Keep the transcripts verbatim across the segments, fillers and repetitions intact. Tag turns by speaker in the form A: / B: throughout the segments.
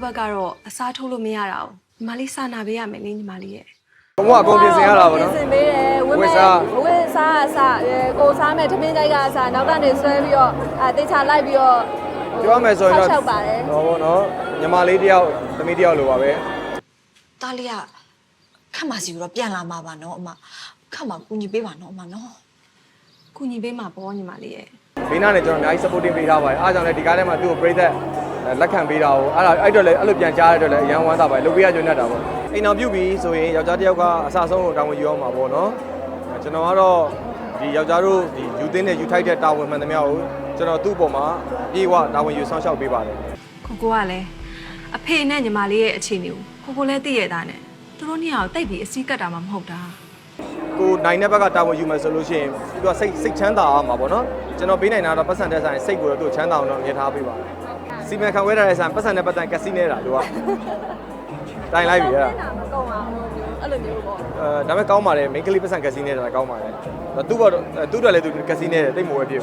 A: ဘက်ကတော့အစားထိုးလို့မရတာ။ညီမလေးစာနာပေးရမယ်လေညီမလေးရဲ့
B: ဘုံကအကုန်ပြင်ဆင်ရတာပေါ့နော်
C: ပြင်ဆင်ပေးတယ်ဝင်းမဲ့ဝင်းစားအစားကိုစားမဲ့ထမင်းကြိုက်ကအစားနောက်ကနေဆွဲပြီးတော့အဲတေချာလိုက်ပြီးတော့
B: ပြောမယ်ဆိုရင်တော့
C: ဆောက်ပါတယ်
B: ဟောပေါ့နော်ညီမလေးတယောက်သမီးတယောက်လိုပါပဲ
D: တားလေးကခက်မစီတော့ပြန်လာမှာပါနော်အမခက်မကူညီပေးပါနော်အမနော်
A: ကူညီပေးမှာပေါ့ညီမလေးရဲ့
B: ဘေးနားနဲ့ကျွန်တော်အများကြီး supporting ပေးထားပါတယ်အားကြောင့်လည်းဒီကားထဲမှာသူ့ကိုပြိသက်လက်ခံပေးတာကိုအဲ့ဒါအဲ့တော့လည်းအဲ့လိုပြန်ကြားရတော့လည်းအရန်ဝမ်းသာပါတယ်လုပ်ပေးရကြွနေတာပေါ့အိမ်အောင်ပြုတ်ပြီးဆိုရင်ယောက်ျားတစ်ယောက်ကအဆအဆုံးကိုတာဝန်ယူအောင်ပါပေါ့နော်ကျွန်တော်ကတော့ဒီယောက်ျားတို့ဒီယူသင်းနဲ့ယူထိုက်တဲ့တာဝန်မှန်သမျှကိုကျွန်တော်သူ့အပေါ်မှာပြေဝတာဝန်ယူဆောင်ရှောက်ပေးပါတယ်
A: ကိုကိုကလည်းအဖေနဲ့ညီမလေးရဲ့အခြေအနေကိုကိုကိုလည်းသိရတာနဲ့သူတို့နှစ်ယောက်တိတ်ပြီးအစည်းကတ်တာမှမဟုတ်တာ
B: ကိုနိုင်တဲ့ဘက်ကတာဝန်ယူမယ်ဆိုလို့ရှိရင်သူကစိတ်စိတ်ချမ်းသာအောင်ပါပေါ့နော်ကျွန်တော်ပေးနိုင်တာတော့ပတ်စံတဲ့ဆိုင်စိတ်ကိုတော့သူ့ချမ်းသာအောင်တော့မြင်ထားပေးပါတယ်စီမံခန့်ခွဲထားတဲ့ဆိုင်ပတ်စံတဲ့ပတ်စံကက်စီနေတာသူကတိုင်လိုက်ပြီအဲ့ဒါ
C: မကုန်းအောင်အဲ့လိုမျိုးပေါ့
B: အဲဒါပေမဲ့ကောင်းပါတယ်မိန်းကလေးပတ်စံကက်စီနေတာကောင်းပါတယ်သူ့ဘောသူ့တော်လည်းသူကက်စီနေတယ်တိတ်မဝဲပြည့်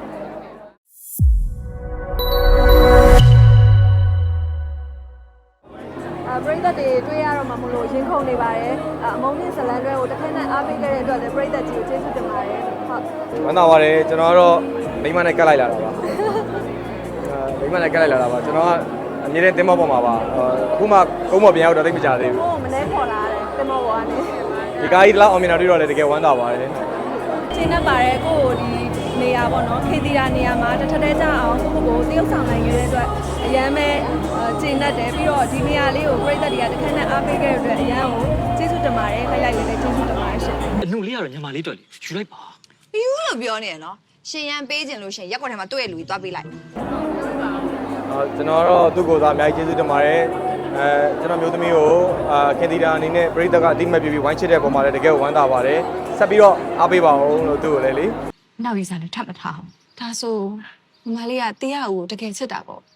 C: ပရိသတ်တွေတွေ့ရတော့မှမလို့ရင်ခုန်နေပါတယ်အမုန်းနဲ့ဇလန်တွဲကိုတစ်ခါနဲ့အားပေးခဲ့တဲ့အတွက်လည်းပရိသတ်ကြီးကိုကျေးဇူးတင်ပါတယ်
B: ဟုတ်ဝမ်းသာပါတယ်ကျွန်တော်ကတော့မိမနဲ့ကတ်လိုက်လာတာပါမိမနဲ့ကတ်လိုက်လာတာပါကျွန်တော်ကအမြဲတမ်းတင်းမောပေါ်မှာပါအခုမှကုန်းမော်ပြန်ရောက်တော့သိမကြသေးဘူး
C: ဟိုမလဲခေါ်လာတယ်တင်းမောပေါ်ကနေ
B: ဒီကားကြီးလောက်အောင်မြင်တာတွေ့တော့လည်းတကယ်ဝမ်းသာပါတယ်
C: ကျင်းတတ်ပါတယ်ကိုကိုဒီနေရာပေါ့နော်ခေတီရာနေရာမှာတစ်ထက်တည်းကြအောင်ကိုကိုကိုတရုပ်ဆောင်နိုင်ခဲ့တဲ့အတွက်အရန်ပဲကျင်းတတ်တယ်ပြီးတော့ဒီနေရာလေးကိုပရိသတ်တွေကတစ်ခါနဲ့အားပေးခဲ့တဲ့အတွက်အရန်ကိုကျေးဇူးတင်ပါတယ်ခရိုက်လေးလည်းကျေးဇူးတင်ပါတယ်ရှင်
E: အနှုတ်လေးကတော့ညီမလေးတွေ့လေယူလိုက်ပါ
D: ပြီးဦးလို့ပြောနေရနော်ရှင်ရန်ပေးခြင်းလို့ရှင်ရက်ကွက်ထဲမှာတွေ့ရလူကြီးသွားပေးလိုက်
B: အော်ကျွန်တော်တော့သူ့ကိုယ်စားအများကြီးကျေးဇူးတင်ပါတယ်အဲကျွန်တော်မျိုးသမီးကိုအာခင်တီတာအနေနဲ့ပရိသတ်ကအတိမတ်ပြပြီးဝိုင်းချစ်တဲ့ပုံမှာလည်းတကယ်ဝမ်းသာပါတယ်ဆက်ပြီးတော့အားပေးပါအောင်လို့သူ့ကိုလည်းလေ
A: နောက်ရေးစားလည်းထပ်မထားအောင်ဒါဆိုညီမလေးကတရားကိုတကယ်ချစ်တာပေါ့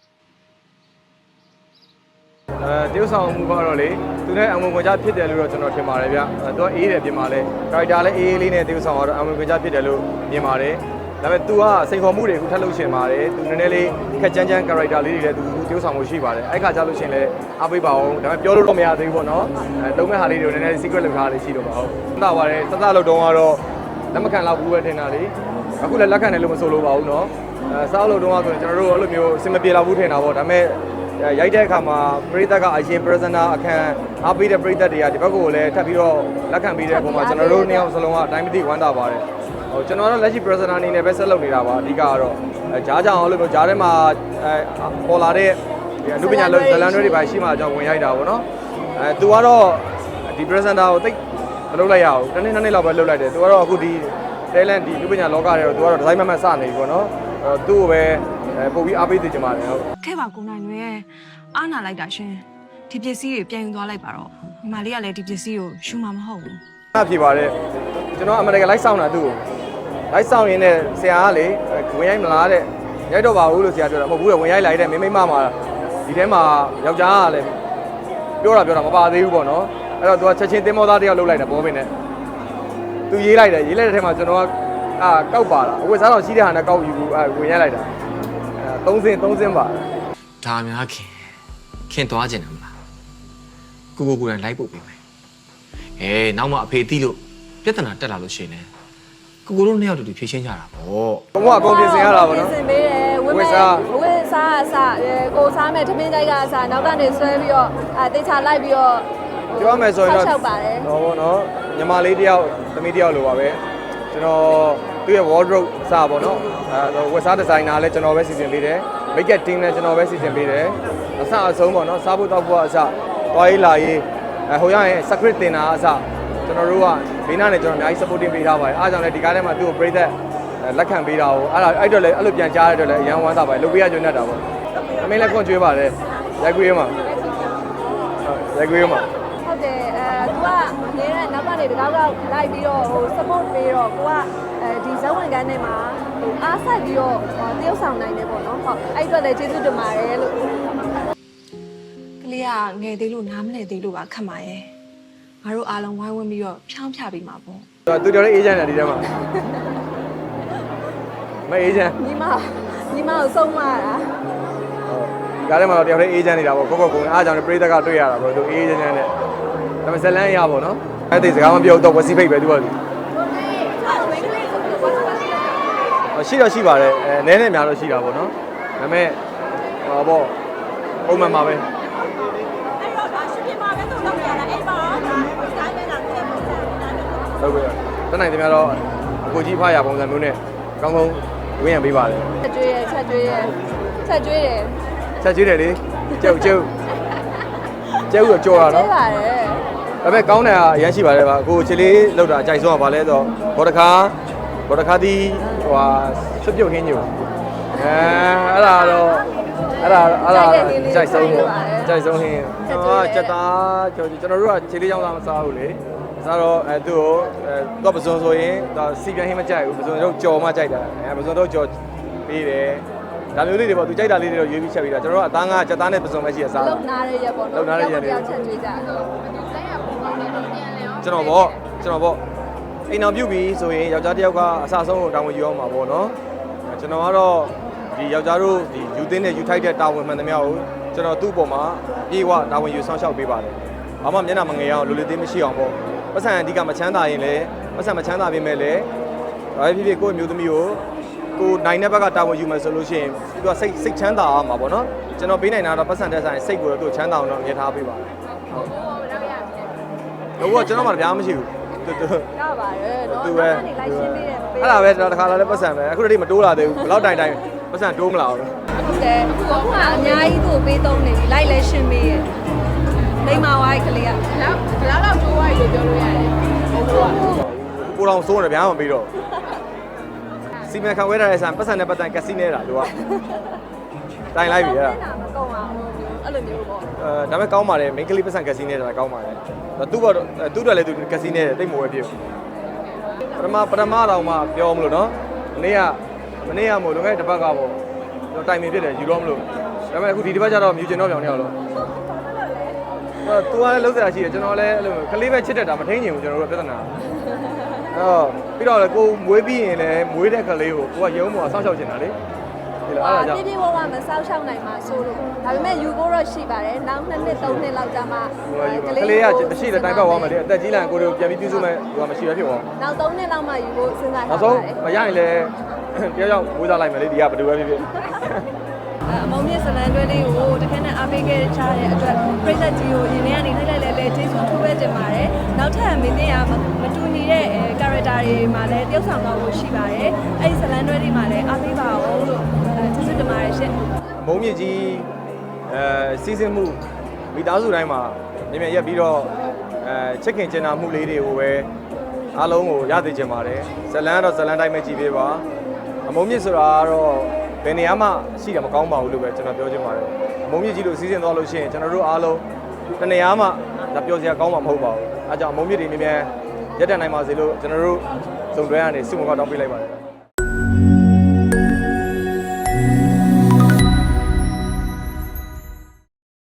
B: အဲတရုပ်ဆောင်မှုကတော့လေသူနဲ့အမွန်ခွန်ကြဖြစ်တယ်လို့တော့ကျွန်တော်ထင်ပါတယ်ဗျသူကအေးတယ်ပြင်ပါလဲကာရက်တာလည်းအေးအေးလေးနဲ့တရုပ်ဆောင်ကတော့အမွန်ခွန်ကြဖြစ်တယ်လို့မြင်ပါတယ်ဒါပေမဲ့ तू ကစိန်ခေါ်မှုတွေအခုထပ်လုပ်ရှင်ပါတယ် तू နည်းနည်းလေးခက်ကြမ်းကြမ်း character လေးတွေလည်း तू တရုပ်ဆောင်မှုရှိပါတယ်အဲ့ခါကျလို့ရှင်လည်းအားပေးပါအောင်ဒါပေမဲ့ပြောလို့တော့မရသေးဘူးပေါ့နော်အဲတုံးမဲ့ဟာလေးတွေကိုနည်းနည်းလေး secret လုပ်ထားလေးရှိတော့ပါဟုတ်သတ်ပါတယ်သတ်သတ်လို့တော့ကတော့လက်မခံတော့ဘူးပဲထင်တာလေအခုလည်းလက်ခံတယ်လို့မဆိုလိုပါဘူးနော်အဲစားလို့တော့ဆိုရင်ကျွန်တော်တို့အဲ့လိုမျိုးအစင်မပြေတော့ဘူးထင်တာပေါ့ဒါပေမဲ့ရိုက်တဲ့အခါမှာပရိသတ်ကအရင် presenter အခန်းအားပေးတဲ့ပရိသတ်တွေကဒီဘက်ကိုလည်းထပ်ပြီးတော့လက်ခံပေးတဲ့ပုံမှာကျွန်တော်တို့နှစ်ယောက်စလုံးကအတိုင်းမသိဝမ်းသာပါတယ်ဟိုကျွန်တော်တို့လက်ရှိ presenter အနေနဲ့ပဲဆက်လုပ်နေတာပါအဓိကကတော့အဲဂျားကြောင်အဲ့လိုမျိုးဂျားထဲမှာအဲပေါ်လာတဲ့အနုပညာဇလန်တွေပါရှိမှကျွန်တော်ဝင်ရိုက်တာပေါ့နော်အဲသူကတော့ဒီ presenter ကိုတိတ်မလုပ်လိုက်ရဘူးတစ်နေ့နှစ်နေ့လောက်ပဲလုပ်လိုက်တယ်သူကတော့အခုဒီ talent ဒီအနုပညာလောကထဲတော့သူကတော့ဒီဇိုင်းမမတ်စနေပြီပေါ့နော်အဲသူ့ကိုပဲပို့ပြီးအားပေးသိချင်ပါတယ်ဟုတ်
A: ခဲ့ပါကိုနိုင်တွေအားနာလိုက်တာရှင်ဒီပစ္စည်းတွေပြန်ယူသွားလိုက်ပါတော့ညီမလေးကလည်းဒီပစ္စည်းကိုယူမှာမဟုတ်ဘူး
B: အားဖြေပါတယ်ကျွန်တော်အမေရိကန်လိုက်ဆောင်တာသူ့ကိုလိုက်ဆောင်ရင်းနဲ့ဆရာကလေဝင်ရိုက်မလားတဲ့ရိုက်တော့ပါဘူးလို့ဆရာပြောတာမဟုတ်ဘူးဝင်ရိုက်လိုက်တဲ့မိမိမမှာဒီထဲမှာယောက်ျားကလည်းပြောတာပြောတာမပါသေးဘူးပေါ့နော်အဲ့တော့သူကချက်ချင်းတင်းမောသားတယောက်လှုပ်လိုက်တယ်ဘောပင်နဲ့သူရေးလိုက်တယ်ရေးလိုက်တဲ့ထဲမှာကျွန်တော်ကအာကောက်ပါလားအဝတ်စားတော်ရှိတဲ့ဟာနဲ့ကောက်ယူအဲဝင်ရိုက်လိုက်တာအဲသုံးစင်းသုံးစင်းပါ
E: ဒါများခင်ခင်သွားကျင်တယ်မလားကိုကိုကိုယ်တိုင်လိုက်ပို့ပေးမယ်အေးနောက်မှအဖေသိလို့ပြဿနာတက်လာလို့ရှိရင်ကိုကိုတို့နှစ်ယောက်တူတူဖြေရှင်းကြတာပေါ့
B: ဘုံကအကုန်ပြင်ဆင်ရတာပေါ့နော်
C: ပြင်ဆင်ပေးတယ်ဝင်းမဲ့ဝင်းစားအစားကိုစားမဲ့ထမင်းကြိုက်ကအစားနောက်ကနေဆွဲပြီးတော့အဲတေချာလိုက်ပြီးတော့
B: ပြောမယ်ဆိုရင်တော့
C: ဆောက်ပါတယ်
B: ဟောပေါ့နော်ညီမလေးတယောက်သမီးတယောက်လိုပါပဲကျွန်တော်သူ့ရဲ့ wardrobe အစားပေါ့နော်အဲဝက်စားဒီဇိုင်နာလည်းကျွန်တော်ပဲစီစဉ်ပေးတယ် make up team လည်းကျွန်တော်ပဲစီစဉ်ပေးတယ်အစအဆုံးပေါ့နော်စားဖို့တောက်ဖို့အစသွားရေးလာရေးအဲဟိုရရင် secret တင်တာအစကျွန်တော်တို့ကဘေးနားနဲ့ကျွန်တော်အများကြီး supporting ပေးထားပါတယ်အားကြောင့်လည်းဒီကားထဲမှာသူ့ကိုပြိသက်လက်ခံပေးတာကိုအဲ့ဒါအဲ့တော့လည်းအဲ့လိုပြန်ကြားရတော့လည်းအရန်ဝမ်းသာပါတယ်လုပ်ပေးရကြွနေတာပေါ့အမင်းလည်းခွန်ကျွေးပါတယ်ရိုက်ကွေးမှာရိုက်ကွေးမှာ
C: ဟုတ်တယ်အဲ तू ကအမြဲတမ်းနောက်ကနေတကောက်ကောက်လိုက်ပြီးတော့ဟို support ပေးတော့ကိုကအဲဒီဇက်ဝင်ကန်းထဲမှာဟိုအားဆက်ပြီးတော့တရုပ်ဆောင်နိုင်တယ်ပေါ့နော်ဟုတ်အဲ့အတွက်လည်းကျေးဇူးတင်ပါတယ်လို့
A: ကလေးကငယ်သေးလို့နားမလည်သေးလို့ပါခက်ပါရဲ့ငါတို့အားလုံးဝိုင်းဝန်းပြီးတော့ဖြောင်းဖြပြီးမှာပေါ့
B: သူတော်လေးအေးချမ်းတယ်ဒီထဲမှာမအေးချမ်း
C: ညီမညီမကိုဆုံးမတာ
B: ဟကားထဲမှာတော့တယောက်တည်းအေးချမ်းနေတာပေါ့ကိုကိုကုံအားကြောင့်ပရိသတ်ကတွေ့ရတာပေါ့သူအေးချမ်းချမ်းနဲ့ဒါပေမဲ့ဇလန်းရပေါ့နော်အဲ့ဒီစကားမပြောတော့ဝစီဖိတ်ပဲသူကရှိတော့ရှိပါတယ်အဲနည်းနည်းများတော့ရှိတာပေါ့နော်ဒါပေမဲ့ဟောပေါ့ပုံမှန်ပါပဲဟုတ်ကဲ့တနိုင်တယ်များတော့အကိုကြီးဖားရပုံစံမျိုးနဲ့အကောင်းဆုံးဝင်းရံပေးပါတယ်
C: ချက်ကျွေးရချက်ကျွေးရချက်ကျွေးတယ်
B: ချက်ကျွေးတယ်လေကျုပ်ကျုပ်ကျုပ်တော့ကြော်တာ
C: ကျွေး
B: နော်
C: ပါတယ်
B: ဒါပေမဲ့ကောင်းတယ်အရန်ရှိပါတယ်ဗျအခုချီလေးလောက်တာအကြိုက်ဆုံးကဘာလဲဆိုတော့ဘောတခါဘောတခါဒီဟိုဟာဆွပြုတ်ခင်းညိုအဲအဲ့ဒါတော့အဲ့ဒါအဲ့ဒါအကြိုက်ဆုံးပေါ့အကြိုက်ဆုံးဟင်းဟာစက်သားကျွန်တော်တို့ကချီလေးကြောင်းသားမစားဘူးလေစားတော့အဲသူ့ကိုအဲတော့ပစုံဆိုရင်ဒါစီပြန်ဟင်းမကြိုက်ဘူးပစုံတော့ကြော်မှကြိုက်တာအဲပစုံတော့ကြော်ပေးတယ်ဒါမျိုးလေးတွေပေါ့သူကြိုက်တာလေးတွေတော့ရွေးပြီးချက်ပြီးတာကျွန်တော်တို့ကအသားငါစက်သားနဲ့ပစုံပဲရှိရစား
C: လုံနာရရက်ပေါ့နော်ချက်ကျွေးကြတယ်
B: ကျွန်တော်ပေါ့ကျွန်တော်ပေါ့အိမ်အောင်ပြုတ်ပြီးဆိုရင်ယောက်ျားတစ်ယောက်ကအစားဆုံးကိုတာဝန်ယူအောင်ပါပေါ့နော်ကျွန်တော်ကတော့ဒီယောက်ျားတို့ဒီယူသင်းနဲ့ယူထိုက်တဲ့တာဝန်မှန်သမျှကိုကျွန်တော်သူ့အပေါ်မှာပြေဝတာဝန်ယူဆောင်ရှောက်ပေးပါတယ်ဘာမှမျက်နှာမငယ်အောင်လူလူသေးမရှိအောင်ပေါ့ပတ်စံအဓိကမချမ်းသာရင်လည်းပတ်စံမချမ်းသာပြင်မဲ့လည်းဘာဖြစ်ဖြစ်ကိုယ့်မျိုးသမီးကိုကိုနိုင်တဲ့ဘက်ကတာဝန်ယူမယ်ဆိုလို့ရှိရင်သူကစိတ်စိတ်ချမ်းသာအောင်ပါပေါ့နော်ကျွန်တော်ပေးနိုင်တာတော့ပတ်စံတဲ့ဆိုင်စိတ်ကိုတော့သူ့ချမ်းသာအောင်တော့မြင်ထားပေးပါတယ်ဟုတ်ဟုတ်ကျွန်တော်မှတရားမရှိဘူးတူတူ
C: ရပါတယ်နော်
B: သူပဲ
C: နေလိုက်ရှင်းပေးတယ်မပေး
B: အဲ့ဒါပဲတခါလာလဲပတ်စံပဲအခုတည်းမတိုးလာသေးဘူးဘယ်တော့တိုင်တိုင်ပတ်စံတိုးမလာဘူး
C: ဟုတ်တယ်အခုကအများကြီးသူ့ကိုပေးသုံးနေပြီလိုက်လဲရှင်းပေးရဲ့လိမ္မာဝိုင်းကလေးကနောက်ဘလောက်တော့တိုးဝိုင်းလို့ပြောလို့ရတယ်ဟုတ်ကဲ့
B: ကိုတော်စိုးတယ်ဗျာမပြီးတော့စီမံခန့်ဝဲထားတဲ့ဆန်ပတ်စံနဲ့ပတ်တန်ကက်စီနေတာသူကတိုင်လိုက်ပြီအဲ့ဒါ
C: မကုံအောင်အဲ့လိုမျိုးပေါ့
B: အဲဒါပေမဲ့ကောင်းပါတယ်မိန်းကလေးပတ်စံကက်စီနေတာကောင်းပါတယ်သူ့ဘောသူ့တော်လည်းသူကက်စီနေတယ်တိတ်မဝဲပြည့်ပထမပထမတော့မှပြောမလို့နော်မနေ့ကမနေ့ကမို့လွန်ခဲ့တဲ့တစ်ပတ်ကပေါ့တော့တိုင်ပင်ဖြစ်တယ်ယူတော့မလို့ဒါပေမဲ့အခုဒီတစ်ပတ်ကျတော့မြူကျင်တော့ပြောင်းနေအောင်လို့အဲသူကလည်းလုံးစရာရှိတယ်ကျွန်တော်လည်းအဲ့လိုကလေးပဲချစ်တတ်တာမထိန်ချင်ဘူးကျွန်တော်တို့ပြဿနာအော်ပြီးတော့လည်းကိုမွေးပြီးရင်လည်းမွေးတဲ့ကလေးကိုကိုကရုံးပေါ်ဆောက်ရှောက်ချင်တာလေဒီလိုအဲ့ဒါကြောင့်
C: ပြပြဝဝမဆောက်ရှောက်နိုင်မှာဆိုလို့ဒါပေမဲ့ယူဖို့တော့ရှိပါတယ်နောက်နှစ်နှစ်သုံးနှစ်လောက်ကြာမှ
B: ကလေးကမရှိတဲ့တိုင်ပတ်သွားမယ်လေအသက်ကြီးလာရင်ကိုတို့ပြန်ပြီးပြုစုမယ်ဟိုမရှိရဖြစ်သွား
C: နောက်သုံးနှစ်လောက်မှယူဖို့စဉ်းစား
B: နော
C: ထား
B: က်ဆုံး
C: ပါတယ်
B: မရရင်လည်းတရားရောက်ဝေးသားလိုက်မယ်လေဒီကဘယ်လိုပဲဖြစ်ဖြစ်
C: အမုံမြင့်စလန်တွဲလေးကိုတခါနဲ့အားပေးခဲ့ချတဲ့အတွက်ပြည်သက်ကြီးကိုရင်ထဲကနေထိုက်လိုက်လဲလဲကျေးဇူးထူးပဲတင်ပါတယ်နောက်ထပ်မင်းသိရမတူညီတဲ့ character တွေမှာလည်းတယောက်ဆောင်တော့ရှိပါတယ်အဲ့ဒီစလန်တွဲတွေမှာလည်းအားပေးပါအောင်လို့ကျေးဇူးတင်ပါတယ်ရှင်
B: မုံမြင့်ကြီးအဲစီစဉ်မှုမိသားစုတိုင်းမှာမြင်မြင်ရက်ပြီးတော့အဲချစ်ခင်ကျင်နာမှုလေးတွေကိုပဲအားလုံးကိုရသိချင်ပါတယ်ဇလန်းတော့ဇလန်းတိုင်းပဲကြည်ပေးပါအမုံမြင့်ဆိုတာကတော့ဘယ်နေရာမှရှိတယ်မကောင်းပါဘူးလို့ပဲကျွန်တော်ပြောချင်ပါတယ်အမုံမြင့်ကြီးလို့စီစဉ်သွားလို့ရှိရင်ကျွန်တော်တို့အားလုံးတနေရာမှဒါပြောစရာကောင်းမှာမဟုတ်ပါဘူးအဲကြောင့်အမုံမြင့်တွေမြင်မြင်ရက်တန်နိုင်ပါစေလို့ကျွန်တော်တို့စုံတွဲကနေစုမကောက်တောင်းပေးလိုက်ပါတယ်